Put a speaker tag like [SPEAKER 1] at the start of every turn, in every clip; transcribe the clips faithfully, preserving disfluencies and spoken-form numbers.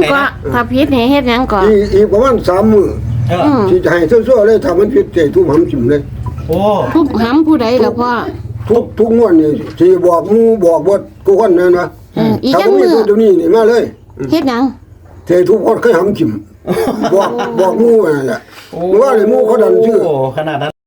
[SPEAKER 1] ก็ถ้าผิดนี่เฮ็ดหยังก่อน
[SPEAKER 2] อีอีประมาณสามมื้อ
[SPEAKER 3] เออ
[SPEAKER 1] อืม
[SPEAKER 2] สิให้ซั่วๆเลยถ้ามันผิดใจทุบหำจิ้มเลย
[SPEAKER 3] โอ้
[SPEAKER 1] ทุบหำผู้ใดล่ะพ่อ
[SPEAKER 2] ทุกทุกงวดนี่สิบอกหมู่บอกบ่กูคนนั้นนะ
[SPEAKER 1] เอออีก
[SPEAKER 2] ถ้า
[SPEAKER 1] จัง
[SPEAKER 2] บ่มี
[SPEAKER 1] มื้อ
[SPEAKER 2] ตัวนี้นี่มาเลย
[SPEAKER 1] เฮ็ดหยัง
[SPEAKER 2] เททุกคนเคยหำจิ้มบอกบอกหมู่นั่นแหละว่าเลยหมู่เขาดันชื่อ
[SPEAKER 3] โอ้ขนาดนั้น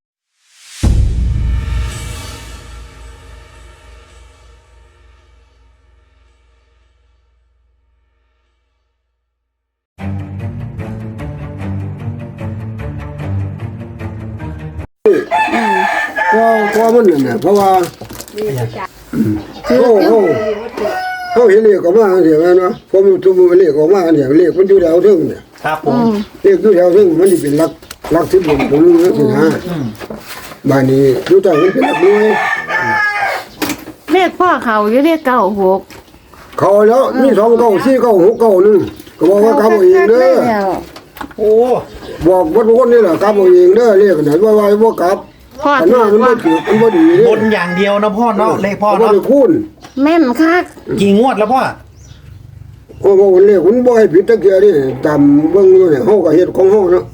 [SPEAKER 2] ก็ก็มันนั่นน่ะเพราะว่าเขาเขาเขาเห็นเลขออกมาเดี๋ยวนั้นนะผมทุบเลขออกมาเดี๋ยวเลขมันอยู่แถวถึงเนี่ย
[SPEAKER 3] ครับผ
[SPEAKER 1] อื
[SPEAKER 3] ม
[SPEAKER 1] ม
[SPEAKER 2] เลขอยู่แถวถึงมันสิเป็นหลักหลักสิบผมผมรู้สินะ
[SPEAKER 3] อืม
[SPEAKER 2] บ้านนี้อยู่ใต้มันเป็นหลักหน่วย
[SPEAKER 1] เลขพ่อเขาอยู่เลขเก้าหก
[SPEAKER 2] เขาแล้วมีสองเก้าสี่เก้าหกเก้าหนึ่งก็บอกว่ากำเอาเองเด้อ
[SPEAKER 1] แล้ว
[SPEAKER 3] โอ้
[SPEAKER 2] บอกว่าทุกคนนี่แหละกำเอาเองเด้อเรียกกันว่าว่าว่ากลับ
[SPEAKER 1] พ่อ
[SPEAKER 2] อัน
[SPEAKER 1] ถื
[SPEAKER 2] นั้
[SPEAKER 1] อน
[SPEAKER 2] มัน
[SPEAKER 1] ว่า
[SPEAKER 2] บ่ถือมันบ่ดีเด้
[SPEAKER 3] บนอย่างเดียวนะพ่อเนาะเลขพ่อ
[SPEAKER 2] บ่
[SPEAKER 3] เนาะ
[SPEAKER 2] ได้คูณ
[SPEAKER 1] แม่นคัก
[SPEAKER 3] กี่งวดแล้วพ่อ
[SPEAKER 2] โอ้โหเลขมันบ่ให้ผิดตะเกียนี่ตามเบิ่งอยู่เนี่ยเฮาก็เฮ็ดของเฮาเนาะ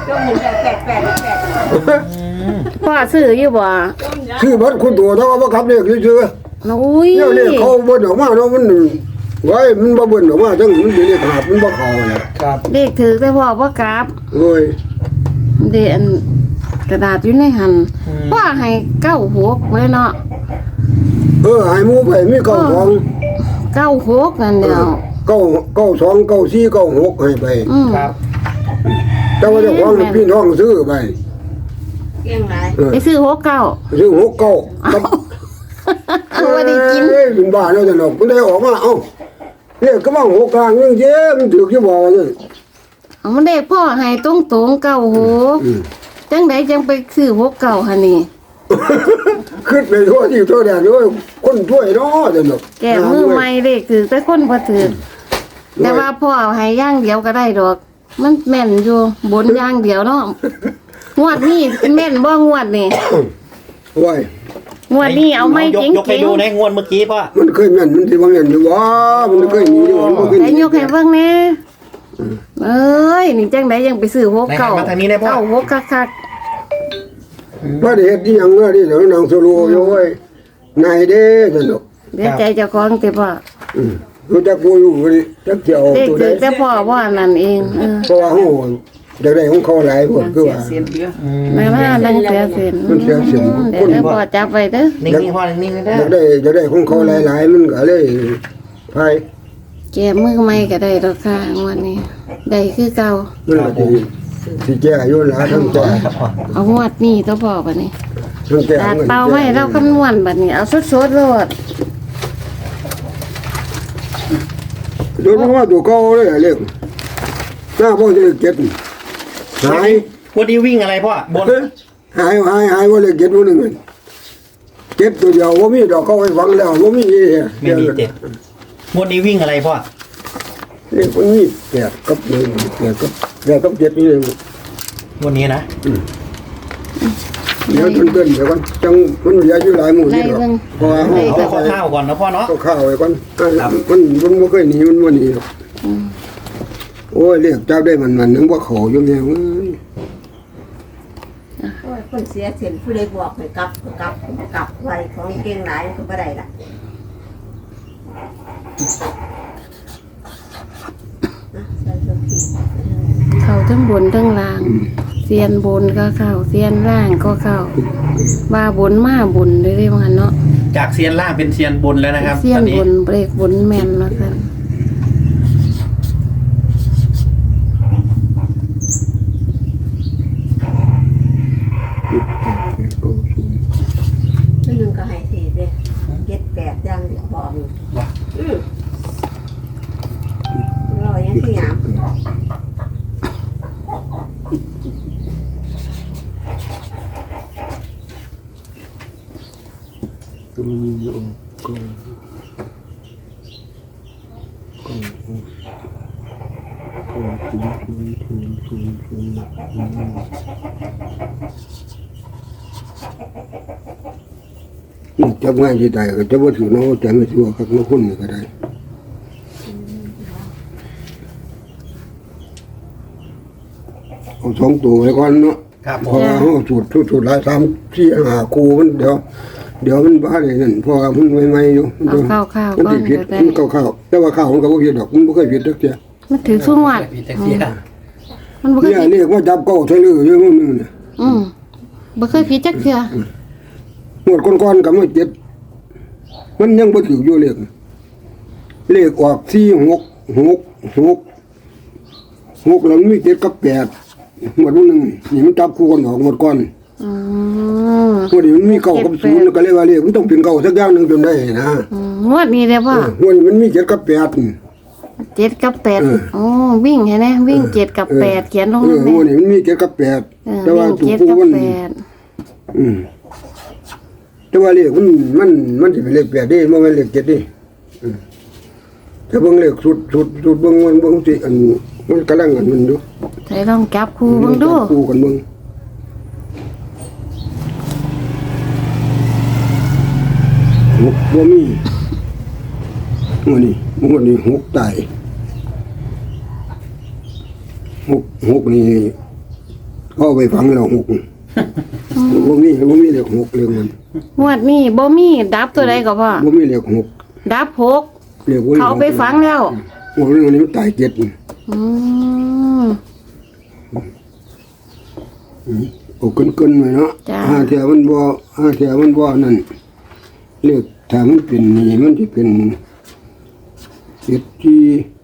[SPEAKER 1] พ่อซื้ออยู่บ่
[SPEAKER 2] ชื่อบัดคุณตัวเท่าว่าขับเลขซื่อ
[SPEAKER 1] อุ้ย
[SPEAKER 2] ๆเนี่ยเลขเขาเบิ่นออกมาเนาะมันไว้มันบ่เบิ่นออกมาจังมันเป็นเลขขาดมันบ่เข้าแหละ
[SPEAKER 3] ครับ
[SPEAKER 1] เลขถือแต่พ่อบ่กลับ
[SPEAKER 2] โอ้ย
[SPEAKER 1] เดอันกระดาษอยู่ในหันพ่อให้เก้าหกไว้เนาะ
[SPEAKER 2] เออให้หมู่ไปมีเก้าสอง
[SPEAKER 1] เก้าหกนั่นเดียว
[SPEAKER 2] เก้าเก้าสองเก้าสี่เก้าหกให้ไป
[SPEAKER 1] อืม
[SPEAKER 3] ครับ
[SPEAKER 2] แต่ว่าเจ้าของพี่น้องซื้อไป
[SPEAKER 4] เก่งหลาย
[SPEAKER 2] เออ
[SPEAKER 1] ไปซื้อหกเก้า
[SPEAKER 2] ซื้อหกเก้ากับ
[SPEAKER 1] เอาไว้ได้กิน
[SPEAKER 2] เอ้ยเป็นบ้าแล้วจะหนอกมันได้ออกมาเอ้าเนี่ยก็ว่าหกกลางยังเย้มันถือกี่บ่อเนี่ย
[SPEAKER 1] เอามันได้พ่อให้ตรงตรงๆเก้าหกจังไดจังไปซื้อหกเก้าหันนี่
[SPEAKER 2] ขึ้นไปทั่วที่ทั่วแดนด้วยคนถ้วยเนาะจะหนอก
[SPEAKER 1] แก่มือใหม่เลขถือแต่คนบ่ถือแต่ว่าพ่อให้อย่างเดียวก็ได้ดอก มันแม่นอยู่บนอย่างเดียวเนาะงวดนี้แม่นบ่งวดนี่
[SPEAKER 2] ไว้
[SPEAKER 1] งวดนี้เอาไม่
[SPEAKER 3] ยก
[SPEAKER 1] เจ๋ง
[SPEAKER 3] ยกให้
[SPEAKER 1] ๆ
[SPEAKER 3] ดูในงวดเมื่อกี้พ่อ
[SPEAKER 2] มันเคยแม่นมันสิว่าแม่นอยู่ว่ามันเคยหนีอยู่มันบ่เคยห
[SPEAKER 1] ไอ้
[SPEAKER 2] นี
[SPEAKER 1] ยกให้เบิ่งแหน่เอ้ยนี่จังไดยังไปซื้อหกเก้า
[SPEAKER 3] มาทางนี้ได้พ่อ
[SPEAKER 1] เก้าหกคัก
[SPEAKER 2] ว่าได้เฮ็ดอีหยังเด้อนี่เดี๋ยวนางสโลอยู่ไว้นายเด้จะหนอก
[SPEAKER 1] ๆเดี๋ยวใจเจ้าของติพ่อ
[SPEAKER 2] อือรู้จักกูอยู่นี่จักเที่ยว
[SPEAKER 1] เลข
[SPEAKER 2] ตัว
[SPEAKER 1] ถื
[SPEAKER 2] ใด
[SPEAKER 1] อแต่พ่อว่านั่นเองเออ
[SPEAKER 2] เพราะว่าเฮาอยากได้ของเขาหลายพวกคือว่า
[SPEAKER 1] แม่ว่าดังเสียเสียน
[SPEAKER 2] มันเสียเสียน
[SPEAKER 1] เดี๋ยวเดี๋ยวพ่อจับไว้เด้อ
[SPEAKER 3] นิ่งๆพ่อนิ่งๆนะ
[SPEAKER 2] อยากได้อยากได้ของเขาหลายๆมันก็เลยไป
[SPEAKER 1] แกมือใหม่ก็ได้ดอกค่ะงวดนี้ได้คือเก่า
[SPEAKER 2] มันก็สิสิแก้อายุหลายทั้งแก่
[SPEAKER 3] ครับพ่อ
[SPEAKER 1] เอางวดนี้ตัวพ่อบัดนี้
[SPEAKER 2] ทั้งแก่
[SPEAKER 1] ตัดเป่าไว้เราคำนวณบัดนี้เอาสดๆโลด
[SPEAKER 2] โดนว่าตัวเก่าเลยเรียกหน้าพ่อจะเก็ดหาย
[SPEAKER 3] วันนี้วิ่งอะไรพ่อบน
[SPEAKER 2] หายหายหายว่าเลยเก็ดวันนึงเก็บตัวเดียวว่ามีดอกเขาให้ฟังแล้วว่ามี
[SPEAKER 3] ไม่มีเจ็ดงวดนี้วิ่งอะไรพ่อ
[SPEAKER 2] เรียกมันมีแปดกับหนึ่งแปดกับแปดกับเจ็ดนี่เลย
[SPEAKER 3] งวดนี้นะ
[SPEAKER 2] เดี๋ยวจนเกินเดี๋ยวก่อนจังมันเหลืออยู่หลายหมู่นี่หรอกเพราะว่า
[SPEAKER 3] เอาข้าวๆก่อนนะพ่อเนาะ
[SPEAKER 2] เอาข้าวไว้ก่อนมันมันบ่เคยหนีมันบ่หนีหรอกโอ้ยเรียกจับได้มันมันนึงว่าเขาอยู่แนวเอ้ย
[SPEAKER 4] โอ้ยคนเสียเสียนผู้ใดบอกให้กลับก็กลับกลับไว้ของเก่งหลายก็บ่ได้ล่ะนะใส่ตัวผิด
[SPEAKER 1] เข้าทั้งบนทั้งล่าง เสียนบนก็เข้าเสียนล่างก็เข้าว่าบนมาบนเลยๆว่างั้นเนาะ
[SPEAKER 3] จากเซียนล่างเป็นเซียนบนแล้วนะครับ
[SPEAKER 1] เสีย
[SPEAKER 3] ตอน นนี้
[SPEAKER 1] บนเบรกบนแม่นว่าซั่น
[SPEAKER 4] ตัวหนึงก็ให้ทีเด้เจ็ดแปดอย่างเดียวบอกอือรอยังสิหยัง
[SPEAKER 2] ก็มีอยู่ก็ก็ก็ถึงถึงถึงถึงถึงจับง่ายที่ใดก็จะว่าถือน้องแต่ไม่ถือว่าคักน้องคนก็ได้เอาสองตัวไว้ก่อนเนาะ
[SPEAKER 3] ครับผ
[SPEAKER 2] เพ
[SPEAKER 3] ม
[SPEAKER 2] ราะว่าเฮาสูตรสูตรสูตรหลายสามสี่ห้าคู่มันเดี๋ยว เดี๋ยวมันบ้าได้นั่นเพราะว่ามันใหม่ๆอยู่มัน
[SPEAKER 1] เอาข้าวๆ
[SPEAKER 2] มัน
[SPEAKER 1] ก่อน
[SPEAKER 2] สิผิด
[SPEAKER 1] ก็ได้
[SPEAKER 2] มันข้าวๆแต่ว่าข้าวมันก็บ่ผิดดอกมันบ่เคยผิดจักเที่ย
[SPEAKER 1] มันถือสู้งวด
[SPEAKER 3] พี่แท็กซี่
[SPEAKER 1] มันบ่เคย
[SPEAKER 2] เนี่ย
[SPEAKER 1] ผิด
[SPEAKER 2] เรียกว่าจับเก้าใส่ลืออยู่มื้อนึงน่ะ
[SPEAKER 1] อืมบ่เคยผิดจักเทื่อ
[SPEAKER 2] หมดก่อนๆก็มาเจ็ดมันยังบ่ถูกอยู่เลขเลขออกสี่ หก หก หก หกแล้วมันมีเจ็ดกับแปดหมดมื้อนึงนี่มันจับคู่กันออกหมดก่อน
[SPEAKER 1] อืม
[SPEAKER 2] พอดีมันมีเก้ากับศูนย์ก็เลยว่าเลขมันต้องเป็นเก้าสักอย่างหนึงจนได้นะ
[SPEAKER 1] อืมงวดนี้เด้อพ่อ
[SPEAKER 2] เออวันนี้มันมีเจ็ดกับแปด
[SPEAKER 1] เจ็ดกับแปด
[SPEAKER 2] เออ
[SPEAKER 1] โอ้วิ่งเห็นไหมวิ่งเจ็ดกับแปดเขียนลง
[SPEAKER 2] เออ
[SPEAKER 1] นั่น
[SPEAKER 2] วัน
[SPEAKER 1] แหละ
[SPEAKER 2] นี้มันมีเจ็ดกับแปด
[SPEAKER 1] เออ
[SPEAKER 2] แต่ว่า
[SPEAKER 1] วิ่ง
[SPEAKER 2] ตัว
[SPEAKER 1] เจ็ด
[SPEAKER 2] ผู้
[SPEAKER 1] กับ
[SPEAKER 2] มัน
[SPEAKER 1] แปด
[SPEAKER 2] อืมแต่ว่าเลขมันมันมันสิเป็นเลขแปดเด้บ่แม่นเลขเจ็ดเด้อืมถ้าเบิ่งเลขสุดสุดสุดเบิ่งมันเบิ่งสิอันมันกำลังอันมันอยู่
[SPEAKER 1] ใส่ลองจับคู่เบิ่งดู
[SPEAKER 2] จับคู่กันเบิ่งหกบ่มีวันนี้วันนี้หกตายหกหกนี่เข้าไปฟังแล้วหกบ่มีบ่มีเลขหกเลขมัน
[SPEAKER 1] งวดนี้บ่มีดับตัวใดก็พ่อ
[SPEAKER 2] บ่มีเลขหก
[SPEAKER 1] ดับหก
[SPEAKER 2] เลขบ่มี
[SPEAKER 1] เขาไปฝังแล้ว
[SPEAKER 2] โอ้เรื่องนี้มันตายเจ็ด
[SPEAKER 1] อืม
[SPEAKER 2] โอ้เกินๆไว้เนาะ
[SPEAKER 1] จ้ะ
[SPEAKER 2] ห้าเที่ยมันบ่ห้าเที่ยมันบ่นั่นเลขถ้ามันเป็นนี่มันสิเป็นเจ็ดสี่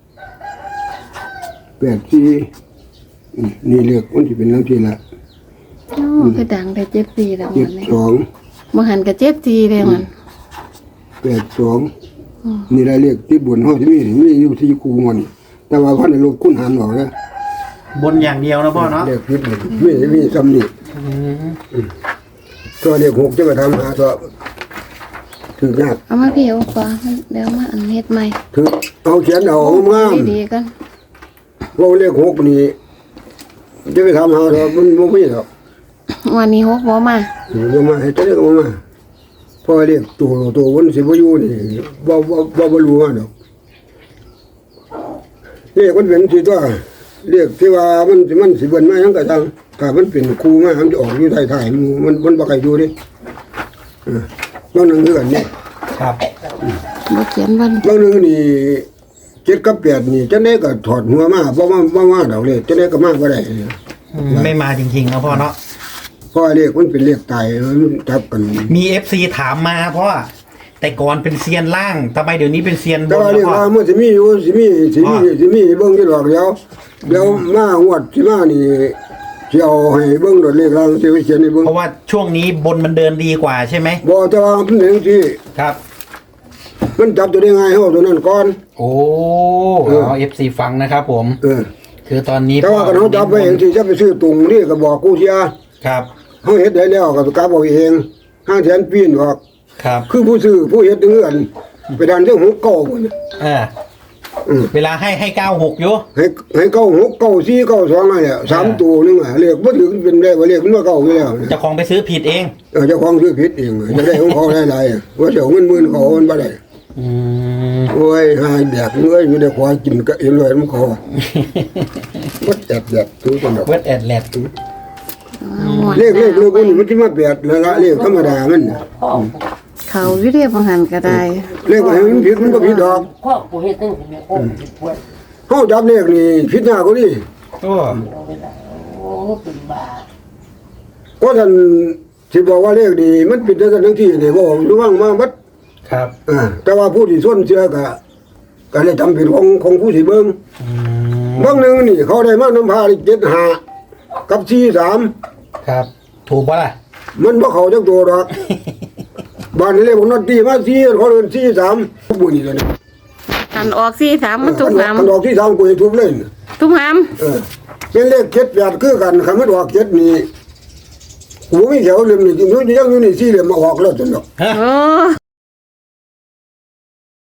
[SPEAKER 2] แปดสี่อืมนี่เลขมันสิเป็นจังซี่ล่ะ
[SPEAKER 1] โอ้คือดังได้เจ็ดปีแล้ว
[SPEAKER 2] เจ็
[SPEAKER 1] มั
[SPEAKER 2] ด
[SPEAKER 1] นนี่
[SPEAKER 2] สอง
[SPEAKER 1] บ่หันก็เจ็ดทีเลยมัน
[SPEAKER 2] แปดสองนี่ละเลขที่บนเฮาสิมีมีอยู่ที่คูมันแต่ว่าพันในลบคูณหารออกนะ
[SPEAKER 3] บนอย่างเดียวนะพ่อเนาะ
[SPEAKER 2] เลขผิดหมดมีมีซ้ำนี่ตัวเลขหกจะไปทำหาตัวถือยาก
[SPEAKER 1] เอามาพี่เอาก่อนเดี๋ยวมาอันเฮ็ดใหม่
[SPEAKER 2] ถือเอาเขียนเอางาม
[SPEAKER 1] ดีๆกัน
[SPEAKER 2] ว่าเลขหกนี่จะไปทำหาตัวมันบ่มีหรอก
[SPEAKER 1] วันนี้หกบ่มา
[SPEAKER 2] บ่มาให้เจ้าก็บ่มาเพราะเลขตัวตัวมันสิบ่อยู่นี่บ่บ่บ่บ่รู้ว่าดอกเลขมันเป็นสิตัวเลขที่ว่ามันสิมันสิเบิ่นมาหยังก็จังถ้ามันเป็นครูมามันจะออกอยู่ท้ายๆหมู่มันมันบ่ใครอยู่ดิเออ บางหนึ่งคือกันนี่
[SPEAKER 3] ครับ
[SPEAKER 1] บ่เขียนวัน
[SPEAKER 2] บางหนึ่งนี่เจ็ดกับแปดนี่จะได้ก็ถอดหัวมาเพราะว่าว่าว่าดอกเลยจะได้ก็มากก็ได้
[SPEAKER 3] อืมไม่มาจริงๆนะพ่อเนาะ
[SPEAKER 2] เพราะเลขมันเป็นเลขตายมันทับกัน
[SPEAKER 3] มีเอฟซีถามมาเพราะว่าแต่ก่อนเป็นเซียนล่างทำไมเดี๋ยวนี้เป็นเซียนบ
[SPEAKER 2] แต่
[SPEAKER 3] น
[SPEAKER 2] ว่า
[SPEAKER 3] แล้
[SPEAKER 2] เล
[SPEAKER 3] ว
[SPEAKER 2] ข
[SPEAKER 3] พ่อ
[SPEAKER 2] ว่ามันสิมีอยู่สิมีสิมีสิมีเบิ่งที่ดอกเดียวเดี๋ยวมางวดสิมานี่สิเอาให้เบิ่งดอกเลขล่างสิไปเขียนให้เบิ่ง
[SPEAKER 3] เพราะว่าช่วงนี้บนมันเดินดีกว่าใช่ไหม
[SPEAKER 2] บ่แต่ว่ามันเป็นจังซี่
[SPEAKER 3] ครับ
[SPEAKER 2] มันจับตัวได้ง่ายเฮาตัวนั้นก่อน
[SPEAKER 3] โอ้
[SPEAKER 2] เออ
[SPEAKER 3] เอาเอฟซีฟังนะครับผม
[SPEAKER 2] เออ
[SPEAKER 3] คือตอนนี้
[SPEAKER 2] แต่ว่าคันเฮาจับไปเองสิจะไปซื้อตุงนี่ก็บอกกูเสีย
[SPEAKER 3] ครับ
[SPEAKER 2] เฮาเฮ็ดได้แล้วก็กลับเอาเองห้างแสนปีนออก
[SPEAKER 3] ครับ
[SPEAKER 2] คือผู้ซื้อผู้เฮ็ดเงื่อนไปดันเรื่องหกเก้าพุ่นน่ะ
[SPEAKER 3] เออ
[SPEAKER 2] อืม
[SPEAKER 3] เวลาให้ให้เก้าหกอยู่
[SPEAKER 2] ให้ให้เก้าหกเก้าสี่เก้าสองนั่นแหละสามตัวนึงอ่ะเลขบ่ถึงเป็นได้ว่าเลขมันว่าเก้าอยู่แล้ว
[SPEAKER 3] เจ้าของไปซื้อผิดเอง
[SPEAKER 2] เออเจ้าของซื้อผิดเองจะได้ของเขาหลายๆอ่ะว่าเสียเงินหมื่นเขามันบ่ได้
[SPEAKER 3] อืม
[SPEAKER 2] โอ้ยหายแดกเอ้ยอยู่ได้ขอกินก็เอ็นเลยมันขอบ่แดดแดดทุกคนดอก
[SPEAKER 3] เวทแอดแลด
[SPEAKER 2] เลขเลขเลขนี่มันสิมาแปดแล้วละเลขธรรมดามันน่ะ
[SPEAKER 1] เขาอยู่เรียบ่หันก็ได้
[SPEAKER 2] เลขให้มันผิดมันก็ผิดดอก
[SPEAKER 5] พ่อกูเฮ็ดตั้งแต่โอ้ยปวด
[SPEAKER 2] เฮาจับเลขนี่ผิดยากกว่านี้
[SPEAKER 3] โอ้
[SPEAKER 5] โอ้เป็นบ้า
[SPEAKER 2] ก็ท่านสิบอกว่าเลขนี่มันผิดจังซั่นจังซี่นี่บ่รู้ว่างมาบัด
[SPEAKER 3] ครับ
[SPEAKER 2] อ่าแต่ว่าผู้ที่ส่วนเชื่อก็ก็เลยจำเป็นของของผู้สิเบิ่ง
[SPEAKER 3] อืม
[SPEAKER 2] บางหนึงนี่เขาได้มาน้ำพาเจ็ดห้ากับสี่สาม
[SPEAKER 3] ครับ ถูกปะล่ะ
[SPEAKER 2] มันบ่เข้าจักตัวดอกบ้านนี้เลยผมนอนตีมาสี่เขาเดินสี่สามบุญนี่เลย
[SPEAKER 1] อันออกสี่สามมันถูกหาม
[SPEAKER 2] มันออกที่สามกูให้ทุบเลย
[SPEAKER 1] ทุกหาม
[SPEAKER 2] เออเป็นเลขเจ็ดแปดคือกันคันมันออกเจ็ดนี่กูมีแถวเหลี่ยมนี่ยังอยู่นี่สี่เหลี่ยมมาออกแล้วจนดอก
[SPEAKER 1] โอ้